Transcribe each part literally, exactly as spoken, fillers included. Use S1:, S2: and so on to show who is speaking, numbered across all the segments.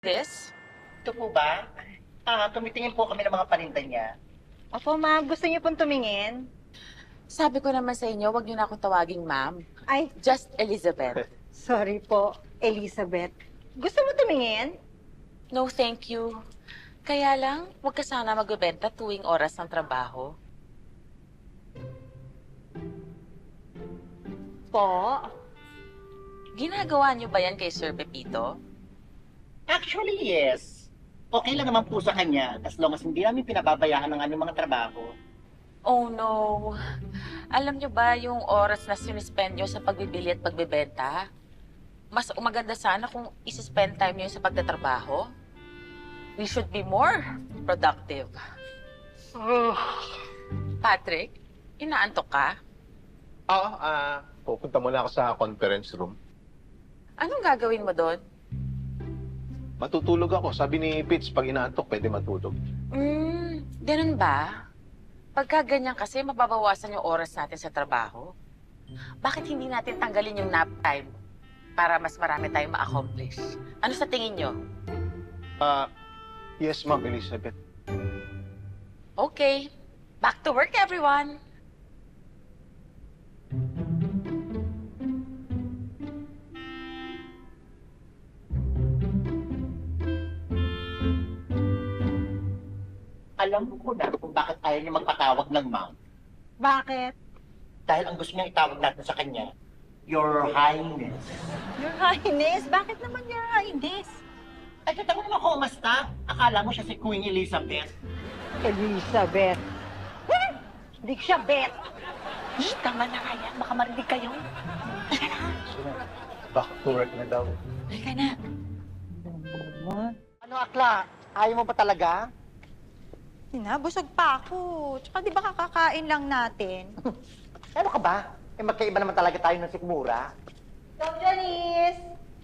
S1: This?
S2: Ito po ba? Ah, tumitingin po kami ng mga paninda niya.
S3: Opo, ma'am. Gusto niyo pong tumingin?
S1: Sabi ko naman sa inyo, wag niyo na akong tawaging ma'am.
S3: Ay,
S1: Just Elizabeth.
S3: sorry po, Elizabeth. Gusto mo tumingin?
S1: No, thank you. Kaya lang, wag ka sana magbebenta tuwing oras ng trabaho.
S3: Po.
S1: Ginagawa niyo ba yan kay Sir Pepito?
S2: Actually, yes. Okay lang naman po sa kanya as long as hindi namin pinababayaan ng aming mga trabaho.
S1: Oh no. Alam niyo ba yung oras na sinispend niyo sa pagbibili at pagbebenta? Mas maganda sana kung isi-spend time niyo sa pagtatrabaho. We should be more productive. Patrick, inaantok ka?
S4: Oo, ah, pupunta muna ako sa conference room.
S1: Anong gagawin mo doon?
S4: Matutulog ako. Sabi ni Pitts, pag inaantok, pwede matulog.
S1: Hmm, ganun ba? Pagka ganyan kasi, mababawasan yung oras natin sa trabaho. Bakit hindi natin tanggalin yung nap time para mas marami tayong ma-accomplish? Ano sa tingin nyo?
S4: Ah, yes, Ma'am Elizabeth.
S1: Okay, back to work everyone!
S2: Alam ko na kung bakit ayaw niya magpatawag ng ma'am.
S3: Bakit?
S2: Dahil ang gusto niya itawag natin sa kanya, Your Highness.
S3: Your Highness? Bakit naman Your Highness?
S2: Ay, kita mo naman kumasta. Akala mo siya si Queen Elizabeth.
S3: Elizabeth. Hmm? Hindi ko siya bet.
S1: Shh, tama na nga yan. Baka marinig kayo.
S4: Back to work na daw.
S1: Halika na.
S2: Ano, Akla? Ayaw mo ba talaga?
S3: Ina, busog pa ako. Tsaka di ba kakakain lang natin?
S2: Ano ka ba? Eh, magkaiba naman talaga tayo ng sikmura.
S3: Stop, Janice!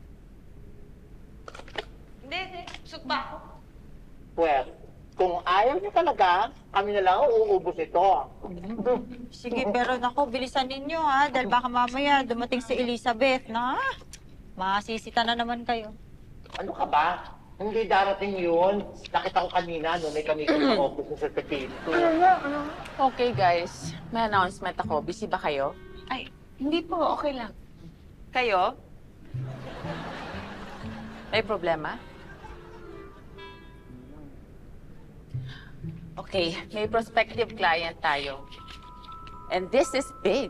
S1: Hindi, hindi. Busog pa ako.
S2: Well, kung ayaw niyo talaga, kami na lang ang uubos ito.
S3: Sige, pero nako, bilisan ninyo ha. Dahil baka mamaya dumating si Elizabeth na masisita na naman kayo.
S2: Ano ka ba? Hindi darating yun. Nakita ko kanina, no, may kami sa office ni Sir Pepito.
S1: Okay guys, may announcement ako. Busy ba kayo? Ay, hindi po. Okay lang. Kayo? May problema? Okay, may prospective client tayo. And this is big.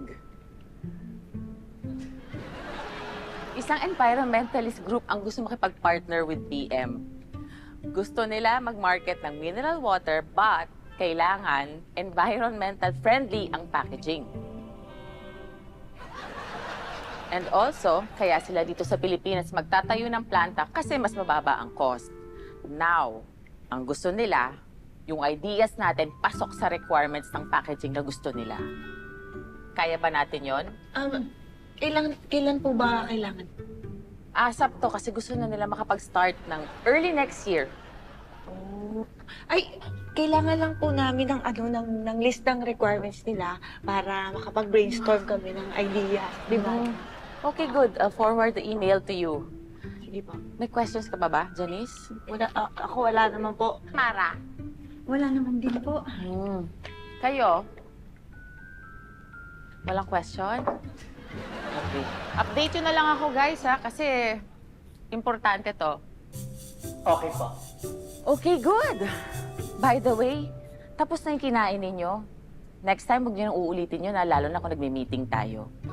S1: Isang environmentalist group ang gusto makipag-partner with P M. Gusto nila mag-market ng mineral water but kailangan environmental friendly ang packaging. And also, kaya sila dito sa Pilipinas magtatayo ng planta kasi mas mababa ang cost. Now, ang gusto nila, yung ideas natin pasok sa requirements ng packaging na gusto nila. Kaya ba natin yon?
S5: Um, kailan, kailan po ba kailangan?
S1: Asap to kasi gusto na nila makapag-start ng early next year.
S5: Oh. Ay, kailangan lang po namin ng ano ng, ng list ng requirements nila para makapag-brainstorm kami ng ideas, di ba?
S1: Okay, good. I'll forward the email to you.
S5: Sige po.
S1: May questions ka pa ba, Janice?
S5: Wala, a- ako wala naman po.
S1: Mara?
S5: Wala naman din po.
S1: Hmm. Kayo? Walang question? Okay. Update yun na lang ako, guys, ha? Kasi importante to.
S2: Okay po.
S1: Okay, good. By the way, tapos na yung kinain ninyo. Next time, huwag nyo nang uulitin yun, ha? Lalo na kung nagme-meeting tayo.